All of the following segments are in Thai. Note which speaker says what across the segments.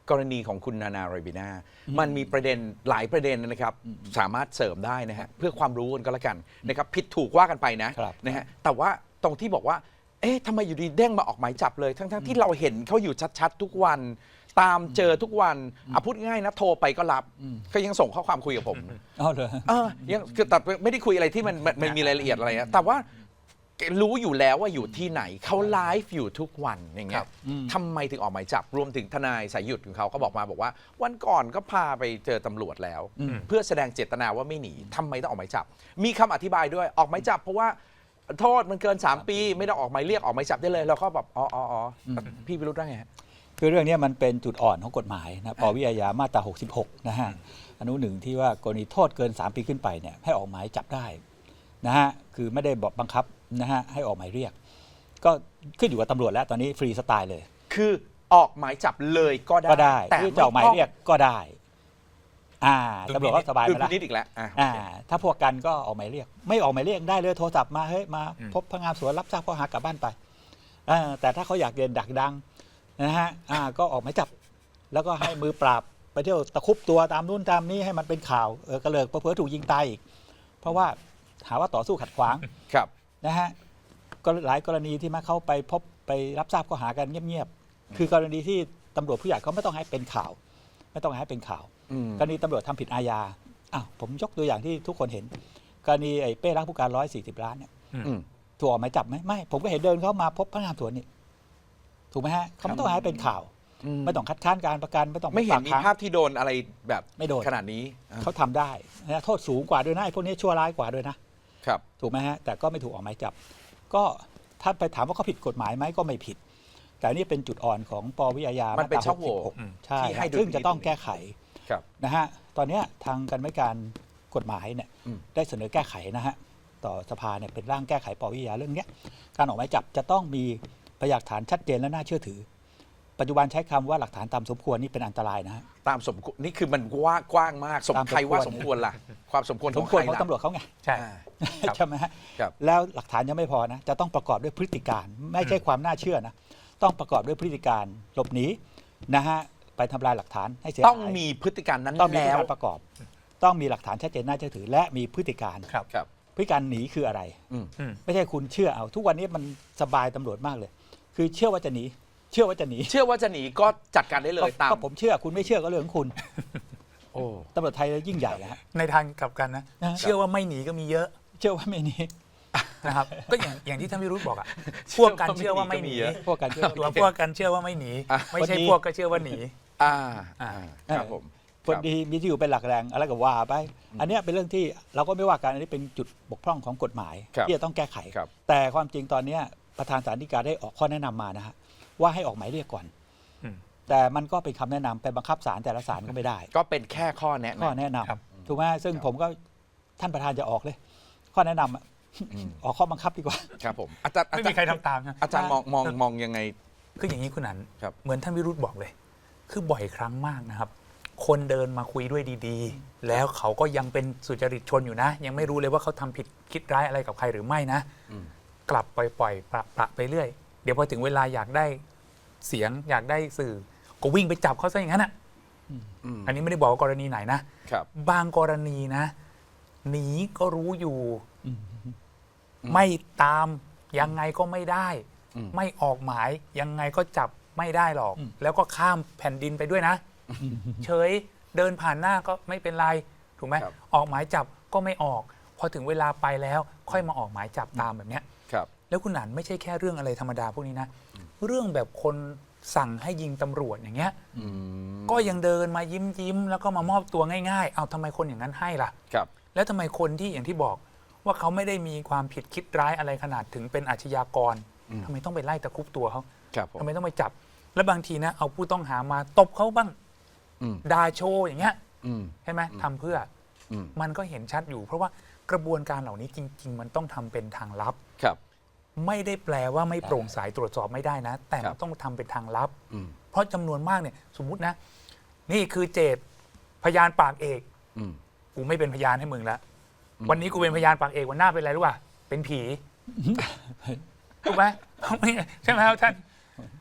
Speaker 1: กรณีของคุณนานาไรบิน่ามันมีประเด็นหลายประเด็นนะครับสามารถเสริมได้นะฮะเพื่อความรู้กันก็แล้วกันนะครับผิดถูกว่ากันไปนะฮะแต่ว่าตรงที่บอกว่าเอ๊ะทำไมอยู่ดีเด้งมาออกหมายจับเลยทั้งที่เราเห็นเขาอยู่ชัดๆทุกวันตามเจอทุกวันพูดง่ายนะโทรไปก็รับก็ยังส่งข้อความคุยกับผมยังคือแต่ไม่ได้คุยอะไรที่มันมีรายละเอียดอะไรนะแต่ว่ารู้อยู่แล้วว่าอยู่ที่ไหนเขาไลฟ์อยู่ทุกวันอย่างเงี้ยทำไมถึงออกหมายจับรวมถึงทนายสายหยุดของเขาก็บอกว่าวันก่อนก็พาไปเจอตำรวจแล้วเพื่อแสดงเจตนาว่าไม่หนีทำไมต้องออกหมายจับมีคำอธิบายด้วยออกหมายจับเพราะว่าโทษมันเกิน3 ปีไม่ต้องออกหมายเรียกออกหมายจับได้เลยเราก็แบบอ๋อพี่วิรุธว่าไง
Speaker 2: คือเรื่องนี้มันเป็นจุดอ่อนของกฎหมายนะปวิอาญามาตรา66นะฮะอนุ1ที่ว่ากรณีโทษเกิน3 ปีขึ้นไปเนี่ยให้ออกหมายจับได้นะฮะคือไม่ได้บังคับนะฮะให้ออกหมายเรียกก็ขึ้นอยู่กับตำรวจแล้วตอนนี้ฟรีสไตล์เลย
Speaker 1: คือออกหมายจับเลยก็ได้
Speaker 2: แต่จะออกหมายเรียกก็ได้ตำรวจก็สบายไปแล้ว
Speaker 1: นิดอีกแล้ว
Speaker 2: ถ้าพวกกันก็ออกหมายเรียกไม่ออกหมายเรียกได้เลยโทรศัพท์มาเฮ้ยมาพบพนักงานสวนรับทราบข้อหากลับบ้านไปแต่ถ้าเขาอยากเรียนดักดังนะฮะก็ออกหมายจับแล้วก็ให้มือปราบไปเที่ยวตะคุบตัวตามนู่นตามนี้ให้มันเป็นข่าวกระเลิกเผลอถูกยิงตายอีกเพราะว่าหาว่าต่อสู้ขัดขวางนะฮะก็หลายกรณีที่มาเข้าไปพบไปรับทราบข้อหากันเงียบๆคือกรณีที่ตำรวจผู้ใหญ่เขาไม่ต้องให้เป็นข่าวไม่ต้องให้เป็นข่าวกรณีตำรวจทำผิดอาญาผมยกตัวอย่างที่ทุกคนเห็นกรณีไอ้เป้รักผู้การ140 ล้านเนี่ยถูกออกหมายจับไหมไม่ผมก็เห็นเดินเข้ามาพบพนักงานสวนนี่ถูกไหมฮะเขาไม่ต้องให้เป็นข่าวไม่ต้องคัดค้านการประกัน
Speaker 1: ไม่เห็นมีภาพที่โดนอะไรแบบ
Speaker 2: ไม่โดน
Speaker 1: ขนาดนี้
Speaker 2: เขาทำได้นะโทษสูงกว่าด้วยนะไอ้พวกนี้ชั่วร้ายกว่าด้วยนะครับถูกไหมฮะแต่ก็ไม่ถูกออกหมายจับก็ถ้าไปถามว่าเขาผิดกฎหมายไหมก็ไม่ผิดแต่นี่เป็นจุดอ่อนของปวิอาญา
Speaker 1: มันเป็นช่องโหว่
Speaker 2: ใช่ซึ่งจะต้องแก้ไขนะฮะตอนนี้ทางกรรมการกฎหมายเนี่ยได้เสนอแก้ไขนะฮะต่อสภาเนี่ยเป็นร่างแก้ไขปวิอาญาเรื่องนี้การออกหมายจับจะต้องมีพยานหลักฐานชัดเจนและน่าเชื่อถือปัจจุบันใช้คำว่าหลักฐานตามสมควรนี่เป็นอันตรายนะฮะ
Speaker 1: ตามสมควรนี่คือมันกว้างมากใครว่าสมควรล่ะความสมควร
Speaker 2: ของตำรวจเขาไงใช่ไหมฮะแล้วหลักฐานยังไม่พอนะจะต้องประกอบด้วยพฤติการไม่ใช่ความน่าเชื่อนะต้องประกอบด้วยพฤติการหลบหนีนะฮะไปทำลายหลักฐานให้เสียหาย
Speaker 1: ต้องมีพฤติการนั้น
Speaker 2: ต้องมีการประกอบต้องมีหลักฐานชัดเจนน่าเชื่อถือและมีพฤติการพฤติการหนีคืออะไรไม่ใช่คุณเชื่อเอาทุกวันนี้มันสบายตำรวจมากเลยคือเชื่อว่าจะหนีเชื่อว่าจะหนีก็
Speaker 1: จัดการได้เลยตาม
Speaker 2: ก็ผมเชื่อคุณไม่เชื่อก็เรื่องของคุณตำรวจไทยยิ่งใหญ่นะฮะ
Speaker 3: ในทางกลับกันนะเชื่อว่าไม่หนีก็มีเยอะ
Speaker 2: เชื่อว่าไม่หนี
Speaker 3: นะครับก็อย่างที่ท่านวิรุธบอกพวกกันเชื่อว่าไม่หนี
Speaker 2: พวกกันเชื่อ
Speaker 3: ว่าไม่หนีไม่ใช่พวกก็เชื่อว่าหนี
Speaker 1: ครับผม
Speaker 2: คนดีมีที่อยู่เป็นหลักแรงอะไรก็ว่าไปอันนี้เป็นเรื่องที่เราก็ไม่ว่ากันอันนี้เป็นจุดบกพร่องของกฎหมายที่จะต้องแก้ไขแต่ความจริงตอนนี้ประธานศาลฎีกาได้ออกข้อแนะนำมานะฮะว่าให้ออกหมายเรียกก่อนแต่มันก็เป็นคำแนะนำไปบังคับศาลแต่ละศาลก็ไม่ได้
Speaker 1: ก็เป็นแค่ข้อแนะ
Speaker 2: นำถูกไหมซึ่งผมก็ท่านประธานจะออกเลยข้อแนะนำออกข้อบังคับดีกว่า
Speaker 1: ครับผม
Speaker 3: อาจารย์ไม่มีใครทำตาม
Speaker 1: อาจารย์มองยังไง
Speaker 3: คืออย่างนี้คุณนันเหมือนท่านวิรุธบอกเลยคือบ่อยครั้งมากนะครับคนเดินมาคุยด้วยดีๆแล้วเขาก็ยังเป็นสุจริตชนอยู่นะยังไม่รู้เลยว่าเขาทำผิดคิดร้ายอะไรกับใครหรือไม่นะกลับปล่อยประไปเรื่อยเดี๋ยวพอถึงเวลาอยากได้เสียงอยากได้สื่อก็วิ่งไปจับเขาซะอย่างนั้นอันนี้ไม่ได้บอกว่ากรณีไหนนะบางกรณีนะหนีก็รู้อยู่ไม่ตามยังไงก็ไม่ได้ไม่ออกหมายยังไงก็จับไม่ได้หรอกแล้วก็ข้ามแผ่นดินไปด้วยนะเฉยเดินผ่านหน้าก็ไม่เป็นไรถูกไหมออกหมายจับก็ไม่ออกพอถึงเวลาไปแล้วค่อยมาออกหมายจับตามแบบเนี้ยแล้วคุณหนานไม่ใช่แค่เรื่องอะไรธรรมดาพวกนี้นะเรื่องแบบคนสั่งให้ยิงตำรวจอย่างเงี้ยก็ยังเดินมายิ้มแล้วก็มามอบตัวง่ายๆเอาทำไมคนอย่างนั้นให้ล่ะแล้วทำไมคนที่อย่างที่บอกว่าเขาไม่ได้มีความผิดคิดร้ายอะไรขนาดถึงเป็นอาชญากรทำไมต้องไปไล่ตะคุบตัวเขาทำไมต้องไปจับแล้วบางทีนะเอาผู้ต้องหามาตบเขาบ้างด่าโชว์อย่างเงี้ยใช่ไหมทำเพื่อมันก็เห็นชัดอยู่เพราะว่ากระบวนการเหล่านี้จริงๆมันต้องทำเป็นทางลับไม่ได้แปลว่าไม่โปร่งใสตรวจสอบไม่ได้นะแต่มันต้องทำเป็นทางลับเพราะจำนวนมากเนี่ยสมมุตินะนี่คือเจตพยานปากเอกกูไม่เป็นพยานให้มึงแล้ววันนี้กูเป็นพยานปากเอกวันหน้าเป็นอะไรรู้ป่ะเป็นผีถูกไหมใช่ไหมครับท่าน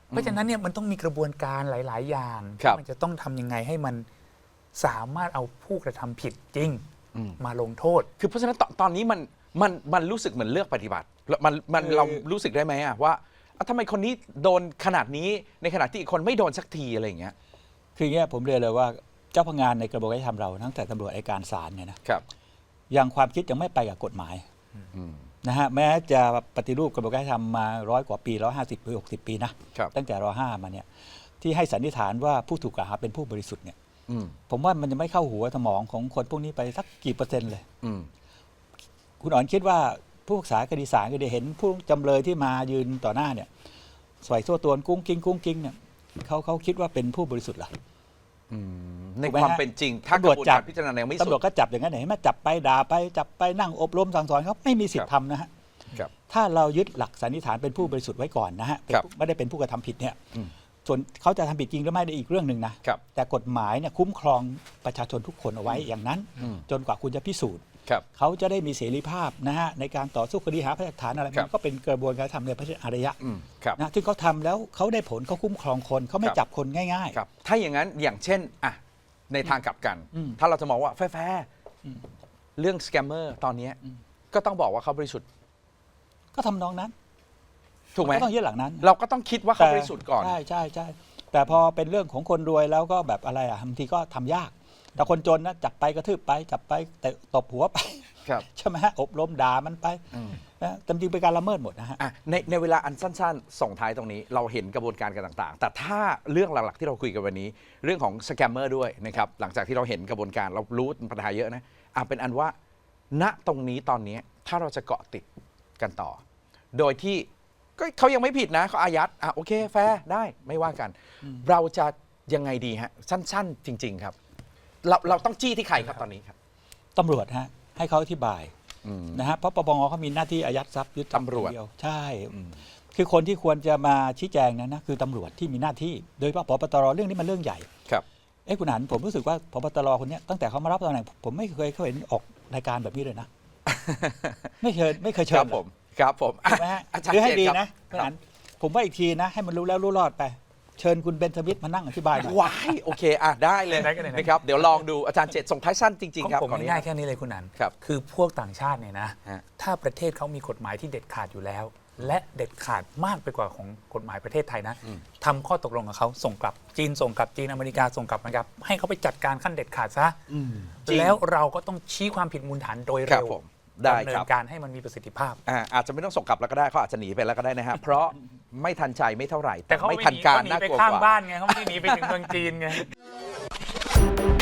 Speaker 3: เพราะฉะนั้นเนี่ยมันต้องมีกระบวนการหลาย ๆ อย่าง
Speaker 1: ครับ
Speaker 3: มันจะต้องทำยังไงให้มันสามารถเอาผู้กระทำผิดจริง มาลงโทษ
Speaker 1: คือเพราะฉะนั้นตอนนี้มันรู้สึกเหมือนเลือกปฏิบัติแล้วมันเรารู้สึกได้ไหมอะว่าทำไมคนนี้โดนขนาดนี้ในขณะที่อีกคนไม่โดนสักทีอะไรอย่างเงี้ย
Speaker 2: คืออย่างเงี้ยผมเรียนเลยว่าเจ้าพนักงานในกระบวนการยุติธรรมเราตั้งแต่ตำรวจอัยการศาลเนี่ยนะครับ ยังความคิดยังไม่ไปกับกฎหมาย
Speaker 1: อืม
Speaker 2: นะฮะแม้จะปฏิรูปกระบวนการยุติธรรมมา100 กว่าปี150 หรือ 60 ปีนะครับ ตั้งแต่ร.5 มาเนี่ยที่ให้สันนิษฐานว่าผู้ถูกกล่าวหาเป็นผู้บริสุทธิ์เนี่ย
Speaker 1: อืม
Speaker 2: ผมว่ามันจะไม่เข้าหัวสมองของคนพวกนี้ไปสักกี่เปอร์เซ็นต์เลย
Speaker 1: อืม
Speaker 2: คุณอ๋อนคิดว่าผู้พิพากษาคดีศาลก็ได้เห็นผู้จำเลยที่มายืนต่อหน้าเนี่ยสวยโซ่ตวนกุ้งกิ้งเนี่ยเขาคิดว่าเป็นผู้บริสุทธิ์เหรอ
Speaker 1: ใน
Speaker 2: ถูกไหม
Speaker 1: ความ
Speaker 2: ฮะ
Speaker 1: เป็นจริง ถ้ากระบวนการพิจารณายังไม่สุ
Speaker 2: ตำรวจ
Speaker 1: ด
Speaker 2: ก็จับอย่างนั้นเห็นไหมจับไปด่าไปจับไปนั่งอบรมสั่งสอนเขาไม่มีสิทธิ์ทำนะฮะ
Speaker 1: ครับ
Speaker 2: ถ้าเรายึดหลักสันนิษฐานเป็นผู้บริสุทธิ์ไว้ก่อนนะฮะ
Speaker 1: ครับ
Speaker 2: ไม่ได้เป็นผู้กระทำผิดเนี่ย
Speaker 1: อืม
Speaker 2: ส่วนเขาจะทำผิดจริงหรือไม่ได้อีกเรื่องหนึ่งนะครับ แต่กฎหมายเนี่ยคุ้มครองประชาชนทุกคนเอาไว้อย่างนั้น
Speaker 1: อืม
Speaker 2: จนกว่าคุณจะพิสูจน์
Speaker 1: ครับ
Speaker 2: เขาจะได้มีเสรีภาพนะฮะในการต่อสู้คดีหาพยานหลักฐานอะไร
Speaker 1: ครับ
Speaker 2: มันก็เป็นกระบวนการทำในพระอารยะ
Speaker 1: ครับ
Speaker 2: นะที่เขาทำแล้วเขาได้ผลเขาคุ้มครองคนเขาไม่
Speaker 1: ครับ
Speaker 2: จับคนง่าย
Speaker 1: ครับ ถ้าอย่างนั้นอย่างเช่นอ่ะในทางกลับกัน
Speaker 2: อืม
Speaker 1: ถ้าเราจะมองว่าแฟร์
Speaker 2: อืม
Speaker 1: เรื่องสแกมเมอร์ตอนเนี้ยก็ต้องบอกว่าเขาบริสุทธิ์
Speaker 2: ๆ ก็ทำนองนั้น
Speaker 1: ถูกไหม
Speaker 2: ก็ต้องยึดหลักนั้น
Speaker 1: เราก็ต้องคิดว่าเขาบริสุทธิ์ก่อน
Speaker 2: ใช่ใช่ใช่แต่พอเป็นเรื่องของคนรวยแล้วก็แบบอะไรอ่ะบางทีก็ทำยาก แต่คนจนนะจับไปกระทืบไปจับไปแต่ตบหัวไป
Speaker 1: ครับ
Speaker 2: ใช่ไหมฮะอบรมด่ามันไป
Speaker 1: อืม
Speaker 2: นะแต่จริงๆเป็นการละเมิดหมดนะฮะ
Speaker 1: อ่ะในเวลาอันสั้นๆ ส่งท้ายตรงนี้เราเห็นกระบวนการกันต่างๆ แต่ถ้าเรื่องหลักๆที่เราคุยกันวันนี้ เรื่องของสแกมเมอร์ด้วยนะครับหลังจากที่เราเห็นกระบวนการเรารู้ปัญหาเยอะนะเป็นอันว่า ณตรงนี้ตอนนี้ถ้าเราจะเกาะติดกันต่อ โดยที่ก็เขายังไม่ผิดนะเขาอายัดโอเคแฟร์ได้ไม่ว่ากัน เราจะยังไงดีฮะสั้นๆ จริง ๆ ครับ เราต้องจี้ที่ใครครับตอนนี้ครับ
Speaker 2: ตำรวจฮะให้เขาอธิบาย
Speaker 1: อืม
Speaker 2: นะฮะเพราะปปงเขามีหน้าที่อายัดทรัพย์ยึดทรัพย์
Speaker 1: ตำรวจ
Speaker 2: เดียวใช่
Speaker 1: อืม
Speaker 2: คือคนที่ควรจะมาชี้แจงนะคือตำรวจที่มีหน้าที่ โดยเฉพาะพบตรเรื่องนี้มันเรื่องใหญ่
Speaker 1: ครับ
Speaker 2: คุณหันผมรู้สึกว่าพบตรคนเนี้ยตั้งแต่เขามารับตำแหน่งผมไม่เคยเห็นออกรายการแบบนี้เลยนะ ไม่เคย
Speaker 1: ค
Speaker 2: เชิ
Speaker 1: รั
Speaker 2: ญ
Speaker 1: บผมครับผม
Speaker 2: ถูกไหมฮะ
Speaker 1: อาจารย์
Speaker 2: คือให้
Speaker 1: เจต
Speaker 2: ดี
Speaker 1: ครับ
Speaker 2: นะคุณหันผมว่าอีกทีนะ ให้มันรู้แล้วรู้รอดไป เชิญคุณเบนสมิธมานั่งอธิบายหน่อย
Speaker 1: ว้ายโอเคได้เลย
Speaker 3: ได้ก็ได้นะ
Speaker 1: นะครับเดี๋ยวลองดูอาจารย์เจตส่งท้ายสั้นจริง
Speaker 3: ของ
Speaker 1: ๆ ครับ
Speaker 3: ผม
Speaker 1: ขออนุญา
Speaker 3: ง่าย
Speaker 1: ต
Speaker 3: ๆแค่นี้เลยคุณนัน
Speaker 1: ครับ
Speaker 3: คือพวกต่างชาติเนี่ยนะ
Speaker 1: ฮะ
Speaker 3: ถ้าประเทศเขามีกฎหมายที่เด็ดขาดอยู่แล้ว และเด็ดขาดมากไปกว่าของกฎหมายประเทศไทยนะทำข้อตกลงกับเขาส่งกลับจีนส่งกลับจีนอเมริกาส่งกลับนะครับให้เขาไปจัดการขั้นเด็ดขาดซะ
Speaker 1: จริง
Speaker 3: แล้วเราก็ต้องชี้ความผิดมูลฐานโดย
Speaker 1: ครั
Speaker 3: เร็
Speaker 1: บ
Speaker 3: ว
Speaker 1: ผมได้
Speaker 3: ดำเนิ
Speaker 1: ครั
Speaker 3: น
Speaker 1: บ
Speaker 3: การให้มันมีประสิทธิภาพ
Speaker 1: อาจจะไม่ต้องส่งกลับแล้วก็ได้เขาอาจจะหนีไปแล้วก็ได้นะฮะ เพราะไม่ทันใจไม่เท่าไหร่
Speaker 3: แต่เขา
Speaker 1: ไม่
Speaker 3: ไม่
Speaker 1: ทันการ
Speaker 3: หนี
Speaker 1: น่า
Speaker 3: ไป
Speaker 1: กลัว
Speaker 3: ข้าม
Speaker 1: กว่า
Speaker 3: บ้านไงเขาไม่ได้หนีไปถึงเมืองจีนไง